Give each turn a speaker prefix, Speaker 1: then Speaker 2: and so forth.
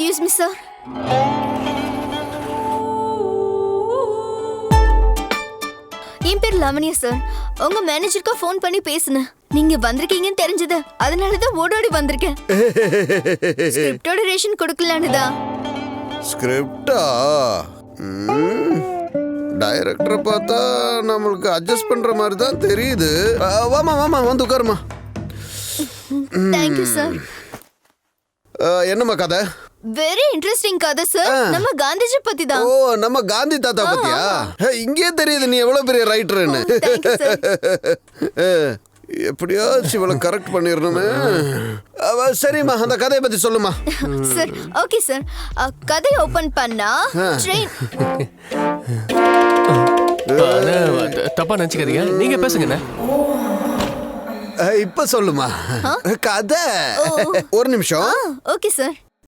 Speaker 1: Excuse me sir. என் பேர் Lavanya sir. உங்க மேனேஜருக்கு ஃபோன் பண்ணி பேசுனேன். நீங்க வந்திருக்கீங்கன்னு தெரிஞ்சது, அதனாலதான் ஓடோடி வந்திருக்கேன். ஸ்கிரிப்டோட ரேஷன் கொடுக்கலான்னு தான்.
Speaker 2: ஸ்கிரிப்டா? டைரக்டரை பார்த்தா நம்மளுக்கு அட்ஜஸ்ட் பண்ற மாதிரி தான் தெரியுது. வாமா வாமா வந்து உட்காருமா.
Speaker 1: Thank you sir.
Speaker 2: என்னம்மா கதை?
Speaker 1: வெரி இன்ட்ரெஸ்டிங் கதை சார். நம்ம காந்திஜி பத்தி தான்.
Speaker 2: ஓ, நம்ம காந்தி தாத்தா பத்தியா? இங்கே தெரியுது நீ எவ்வளவு பெரிய ரைட்டர்னு. எப்படியாச்சும் இவ்வளவு கரெக்ட் பண்ணிடணுமே. சரிம்மா, அந்த கதையை பத்தி சொல்லுமா.
Speaker 1: Sir okay sir. கதை ஓபன் பண்ணா ட்ரெயின்.
Speaker 3: தப்பா நினைச்சுக்காதீங்க, நீங்க பேசுங்க.
Speaker 2: இப்ப சொல்லுமா கதை. ஒரு நிமிஷம்.
Speaker 1: Okay sir.